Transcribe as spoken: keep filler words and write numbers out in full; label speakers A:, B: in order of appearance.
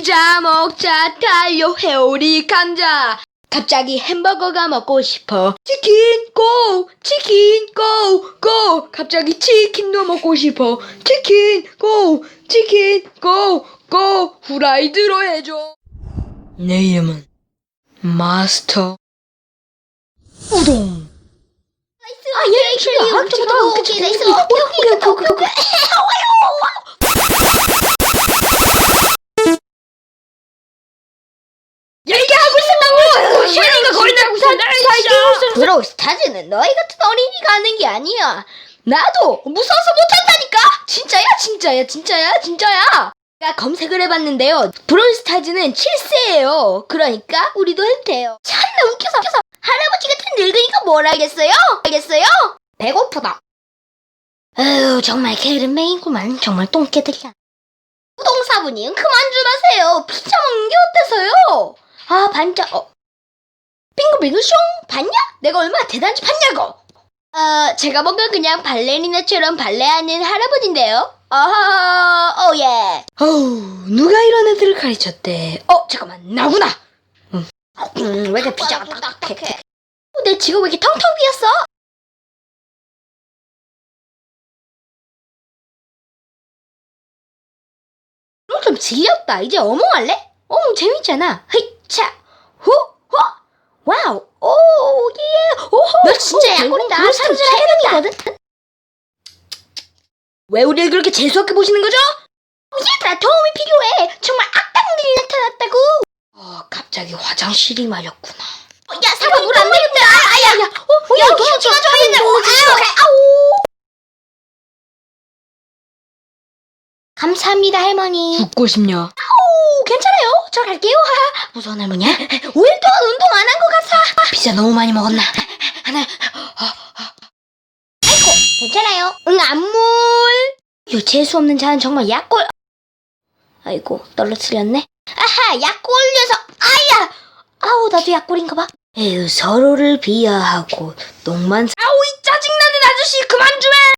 A: 피자 먹자 달려 회오리 감자. 갑자기 햄버거가 먹고 싶어. 치킨 고! 치킨 고! 고! 갑자기 치킨도 먹고 싶어. 치킨 고! 치킨 고! 고! 후라이드로 해줘. 내 이름은 마스터 우동.
B: 아, 얘 클리어. 저도 오케이, 나이스. 오케이, 오케이, 오케이, 오케이, 오케이.
A: 얘기하고 있었다고! 시간이가 걸린다고 살고
B: 브로우 스타즈는 너희 같은 어린이가 하는 게 아니야. 나도 무서워서 못한다니까.
A: 진짜야 진짜야 진짜야 진짜야.
B: 제가 검색을 해봤는데요. 브로우 스타즈는 칠 세예요. 그러니까 우리도 해도 돼요. 참나 웃겨서, 웃겨서. 할아버지 같은 늙은이가 뭘 알겠어요? 알겠어요? 배고프다. 아유, 정말 게으름맹이구만. 정말 똥개들이야. 우동사부님 그만 좀 하세요. 피자 먹는 게 어때서요? 아, 반짝. 어. 빙글빙글 숑! 봤냐? 내가 얼마나 대단한지 봤냐고! 어, 제가 뭔가 그냥 발레리나처럼 발레하는 할아버지인데요? 아하, 오 예.
A: 어우, 누가 이런 애들을 가르쳤대. 어, 잠깐만, 나구나.
B: 음, 왜 이렇게 피자가 딱딱해? 어, 내 지금 왜 이렇게 텅텅 비었어? 어, 좀 질렸다. 이제 어몽 할래? 어몽 재밌잖아. 헤이차, 후, 호, 와우, 오, 예, 오호.
A: 너 진짜
B: 약골이다.
A: 그런
B: 삼촌
A: 스타일
B: 해명이거든.
A: 왜 우리를 그렇게 재수없게 보시는 거죠?
B: 얘들아, 도움이 필요해. 정말 악당들이 나타났다고.
A: 어, 갑자기 화장실이 말렸구나.
B: 어, 야, 사과 물안 내린다. 아야, 야, 어, 야, 너 찍어줘야 되는데. 아우, 아우. 감사합니다, 할머니.
A: 죽고 싶냐?
B: 오, 괜찮아요. 저 갈게요. 무서운 할머니야? 오일 동안 운동 안 한 것 같아.
A: 피자 너무 많이 먹었나?
B: 하나. 아이고, 괜찮아요. 응, 안물. 요 재수 없는 자는 정말 약골. 아이고, 떨어뜨렸네. 아하, 약골 녀석. 아야. 아우, 나도 약골인가 봐. 에휴, 서로를 비하하고 똥만.
A: 아우, 이 짜증나는 아저씨 그만 좀 해!